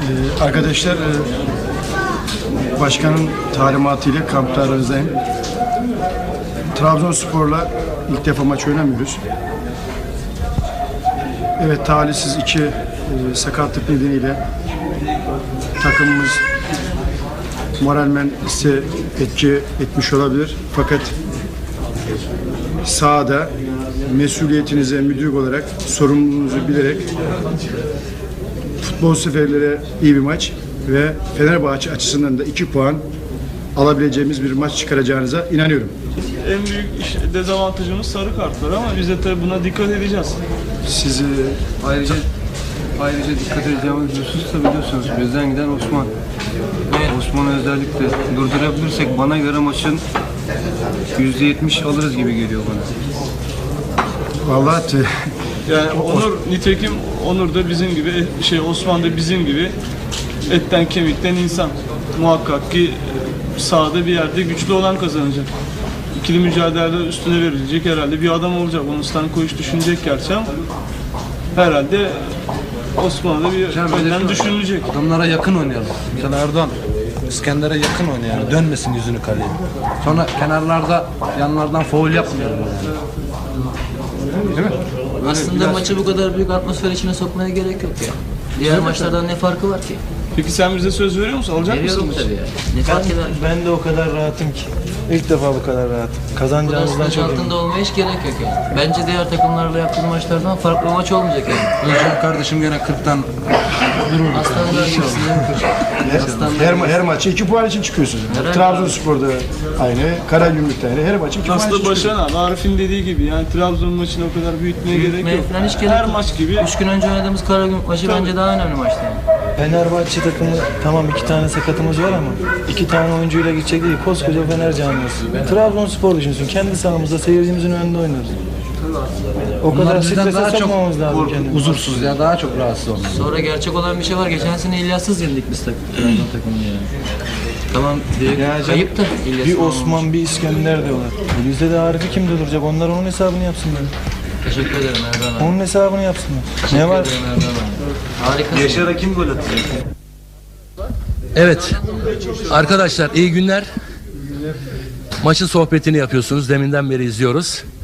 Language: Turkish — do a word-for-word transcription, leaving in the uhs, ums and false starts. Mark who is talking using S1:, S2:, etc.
S1: Ee, arkadaşlar, e, başkanın talimatıyla kamplarımızdayım. Trabzonspor'la ilk defa maç oynamıyoruz. Evet, talihsiz iki e, sakatlık nedeniyle takımımız moralmen ise etki etmiş olabilir. Fakat sahada mesuliyetinize müdürlük olarak sorumluluğunuzu bilerek futbol seferlere iyi bir maç ve Fenerbahçe açısından da iki puan alabileceğimiz bir maç çıkaracağınıza inanıyorum.
S2: En büyük iş, dezavantajımız sarı kartlar ama biz de tabii buna dikkat edeceğiz.
S1: Sizi
S3: Ayrıca ayrıca dikkat edeceğimiz husus da biliyorsunuz bizden giden Osman. Osman'ı özellikle durdurabilirsek bana göre maçın yüzde yetmiş alırız gibi geliyor bana.
S1: vallahi te-
S2: Yani Onur, nitekim Onur da bizim gibi, şey Osman da bizim gibi etten kemikten insan. Muhakkak ki sahada bir yerde güçlü olan kazanacak. İkili mücadelede üstüne verilecek herhalde bir adam olacak. Onun Stankovic düşünecek gerçi ama herhalde Osman'a da bir önden düşünülecek.
S4: Adamlara yakın oynayalım. Mesela Erdoğan İskender'e yakın oynayalım. Dönmesin yüzünü kaleye. Sonra kenarlarda yanlardan faul yapmayalım yani. Değil mi?
S5: Aslında
S4: Biraz-
S5: maçı bu kadar büyük atmosfer içine sokmaya gerek yok ya. Diğer maçlardan ne farkı var ki?
S2: Peki sen bize söz veriyor musun? Alacak
S5: Veriyorum
S2: mısın?
S5: tabii ya. Ne fark eder?
S6: Ben de o kadar rahatım ki. İlk defa bu kadar rahatım.
S5: Bu kadar
S6: Kazanacağımızdan
S5: sınır
S6: çok eminim.
S5: altında olmaya hiç gerek yok yani. Bence diğer takımlarla yaptığımız maçlardan farklı maç olmayacak yani.
S4: Özcan kardeşim gene kırktan
S5: Aslanlar gibisin değil mi koç? Aslanlar
S1: her, ma- her maçı iki puan için çıkıyorsunuz.
S5: Herhalde.
S1: Trabzonspor'da aynı, Karagümrük'te aynı. Her maçı iki puan için
S2: Aslında
S1: çıkıyorsunuz.
S2: Başaran abi, Arif'in dediği gibi yani Trabzon maçını o kadar büyütmeye gerek
S5: Büyütmeye
S2: yok.
S5: falan hiç gerek
S2: Her
S5: yok.
S2: maç gibi
S5: Üç gün önce oynadığımız Karagümrük maçı
S2: Tabii.
S5: bence daha önemli maçtı yani.
S6: Fenerbahçe takımı tamam iki tane sakatımız var ama iki tane oyuncuyla gidecek değil. Koskoca Fener camiası. Trabzonspor düşünsün. Kendi sahamızda seyircimizin önünde oynarız. O
S4: Onlar
S6: kadar
S4: bizden
S6: strese
S4: daha çok
S6: sokmamamız lazım kendimizi.
S4: huzursuz ya, daha çok rahatsız onlar.
S5: Sonra gerçek olan bir şey var. Geçen sene İlyas'sız yendik biz tak Trabzon takımını yani. Tamam büyük
S6: Ya canım,
S5: kayıp da İlyas'ın
S6: bir
S5: olmamış.
S6: Osman, bir İskender diyorlar. E bizde de Arif'i kimde duracak? Onlar onun hesabını yapsınlar.
S5: Teşekkür ederim Erdoğan abi.
S6: Onun hesabını yapsınlar.
S5: Teşekkür
S6: Ne var?
S5: ederim Erdoğan abi. Harikasın.
S3: Yaşar'a kim gol atacak?
S7: Evet arkadaşlar, iyi günler. Maçın sohbetini yapıyorsunuz, deminden beri izliyoruz.